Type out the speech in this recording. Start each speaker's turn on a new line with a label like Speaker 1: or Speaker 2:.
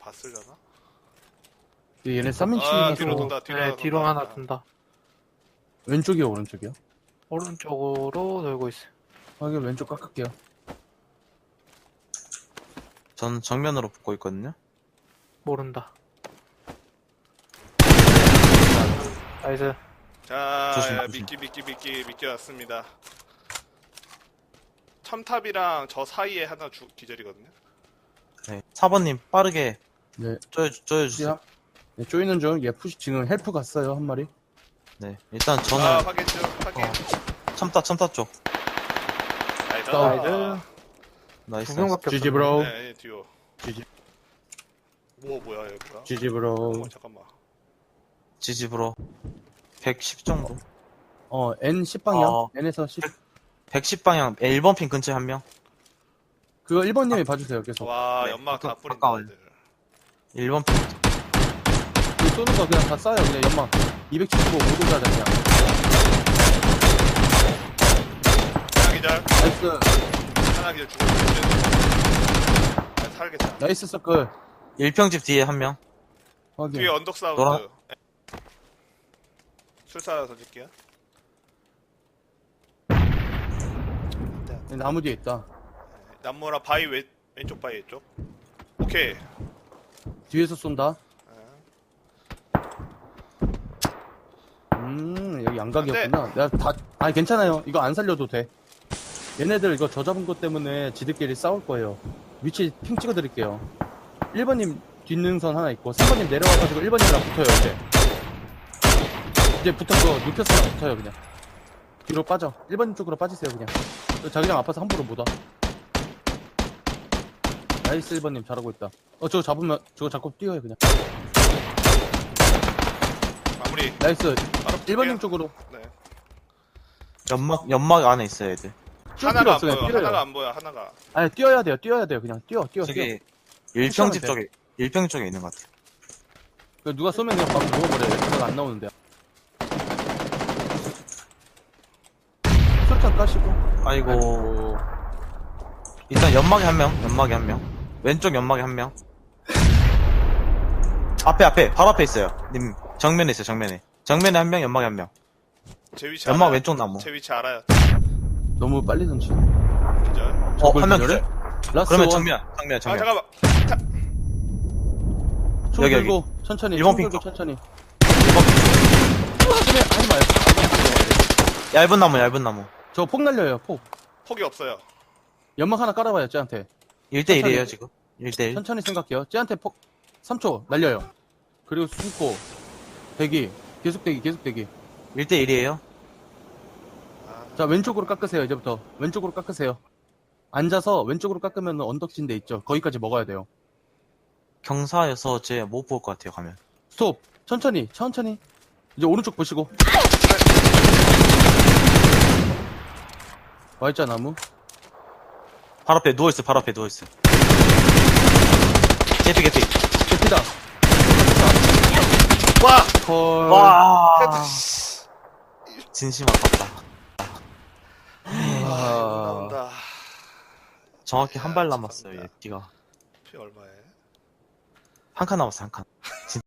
Speaker 1: 봤으려나?
Speaker 2: 얘네
Speaker 1: 아,
Speaker 2: 3인칭이라서
Speaker 1: 뒤로 돈다,
Speaker 3: 네, 뒤로 하나 둔다.
Speaker 2: 왼쪽이요, 오른쪽이요?
Speaker 3: 오른쪽으로 돌고 있어요.
Speaker 2: 확인, 왼쪽 깎을게요.
Speaker 4: 전 정면으로 붙고 있거든요.
Speaker 3: 모른다. 나이스.
Speaker 1: 자,
Speaker 4: 조심,
Speaker 1: 야,
Speaker 4: 조심.
Speaker 1: 미끼 왔습니다. 첨탑이랑 저 사이에 하나 기절이거든요.
Speaker 4: 네. 4번님 빠르게
Speaker 2: 네,
Speaker 4: 쪼여주세요.
Speaker 2: 네, 쪼이는 중. 얘 푸시, 지금 헬프 갔어요, 한 마리.
Speaker 4: 네. 일단 저는
Speaker 1: 아, 확인 중, 확인.
Speaker 4: 첨타 쪽.
Speaker 1: 나이스.
Speaker 2: 나이스.
Speaker 4: 나이스.
Speaker 3: 두 명밖에
Speaker 2: GG
Speaker 3: 없어.
Speaker 2: 브로.
Speaker 1: 네, 듀오.
Speaker 2: GG,
Speaker 1: 뭐야, 여기가?
Speaker 2: GG 브로.
Speaker 1: 잠깐만.
Speaker 4: 지집으로 110 정도.
Speaker 2: N 10방향.
Speaker 4: 어.
Speaker 2: N에서 10.
Speaker 4: 110방향 1번 핀 근처에 한 명.
Speaker 2: 그거 1번님이 봐주세요, 계속.
Speaker 1: 와,
Speaker 4: 네,
Speaker 1: 연막 다 뿌린다.
Speaker 4: 가까워요.
Speaker 1: 애들.
Speaker 4: 1번 핀.
Speaker 2: 그 쏘는 거 그냥 다 쏴요, 그냥 연막. 275 모두가 그냥.
Speaker 1: 하나 기절.
Speaker 2: 나이스.
Speaker 1: 하나 기절 죽었어. 살겠다.
Speaker 2: 나이스 서클.
Speaker 4: 1평집 뒤에 한 명.
Speaker 2: 확인.
Speaker 1: 뒤에 언덕 사운드.
Speaker 4: 노란-
Speaker 1: 술사 던질게요.
Speaker 2: 네, 나무 뒤에 있다.
Speaker 1: 남모랑 바위 왼쪽 바위 쪽. 오케이.
Speaker 2: 뒤에서 쏜다. 여기 양각이었구나. 내가 아니, 괜찮아요. 이거 안 살려도 돼. 얘네들 이거 저 잡은 것 때문에 지들끼리 싸울 거예요. 위치 핑 찍어드릴게요. 1번님 뒷능선 하나 있고, 3번님 내려와가지고 1번님이랑 붙어요, 이제. 이제 붙어서 눕혔으면 붙어요, 그냥. 뒤로 빠져. 1번님 쪽으로 빠지세요, 그냥. 자기장 아파서 함부로 못 와. 나이스 1번님 잘하고 있다. 저거 잡으면, 저거 잡고 뛰어요, 그냥.
Speaker 1: 마무리.
Speaker 2: 나이스.
Speaker 1: 바로
Speaker 2: 1번님 쪽으로.
Speaker 1: 네.
Speaker 4: 연막 안에 있어요, 애들.
Speaker 2: 뛸 필요
Speaker 1: 하나가 안
Speaker 2: 없어요,
Speaker 1: 보여.
Speaker 2: 그냥 뛰어요.
Speaker 1: 하나가 안 보여. 하나가.
Speaker 2: 아니, 뛰어야 돼요, 그냥. 뛰어.
Speaker 4: 저기
Speaker 2: 푸시하면
Speaker 4: 1평집
Speaker 2: 돼.
Speaker 4: 쪽에 1평 쪽에 있는 것 같아요.
Speaker 2: 누가 쏘면 그냥 바로 누워버려요. 내가 안 나오는데. 술탄 까시고.
Speaker 4: 아이고. 일단 연막에 한 명. 왼쪽 연막에 한 명. 앞에, 바로 앞에 있어요. 님, 정면에 있어요, 정면에. 정면에 한 명, 연막에 한 명.
Speaker 1: 제 위치
Speaker 4: 연막
Speaker 1: 알아요.
Speaker 4: 왼쪽 나무.
Speaker 1: 제 위치 알아요.
Speaker 2: 너무 빨리 던지.
Speaker 1: 기절.
Speaker 4: 한 명
Speaker 2: 기절해?
Speaker 4: 기절.
Speaker 2: 라스
Speaker 4: 그러면
Speaker 2: 원.
Speaker 4: 정면.
Speaker 1: 아, 잠깐만.
Speaker 2: 총
Speaker 4: 여기,
Speaker 2: 들고 천천히.
Speaker 4: 일본
Speaker 2: 총 들고
Speaker 4: 핑크.
Speaker 2: 천천히. 하지 마요.
Speaker 4: 얇은 나무.
Speaker 2: 저 폭 날려요. 폭.
Speaker 1: 폭이 없어요.
Speaker 2: 연막 하나 깔아봐요. 쟤한테.
Speaker 4: 1대1이에요, 지금. 1대1.
Speaker 2: 천천히 생각해요. 쟤한테 폭 3초 날려요. 그리고 숨고 대기. 계속 대기.
Speaker 4: 1대1이에요.
Speaker 2: 자, 왼쪽으로 깎으세요. 이제부터. 왼쪽으로 깎으세요. 앉아서 왼쪽으로 깎으면 언덕진 데 있죠. 거기까지 먹어야 돼요.
Speaker 4: 경사여서 쟤 못 볼 것 같아요, 가면.
Speaker 2: 스톱. 천천히. 이제 오른쪽 보시고. 와있자, 나무.
Speaker 4: 바로 앞에 누워있어. 개피.
Speaker 2: 개피다.
Speaker 1: 와!
Speaker 2: 헐.
Speaker 4: 와. 진심 아깝다.
Speaker 1: 나온다.
Speaker 4: 정확히 한 발
Speaker 1: 야,
Speaker 4: 남았어요,
Speaker 1: 죄송합니다.
Speaker 4: 얘, 피가.
Speaker 1: 피 얼마에?
Speaker 4: 한 칸 남았어, 한 칸.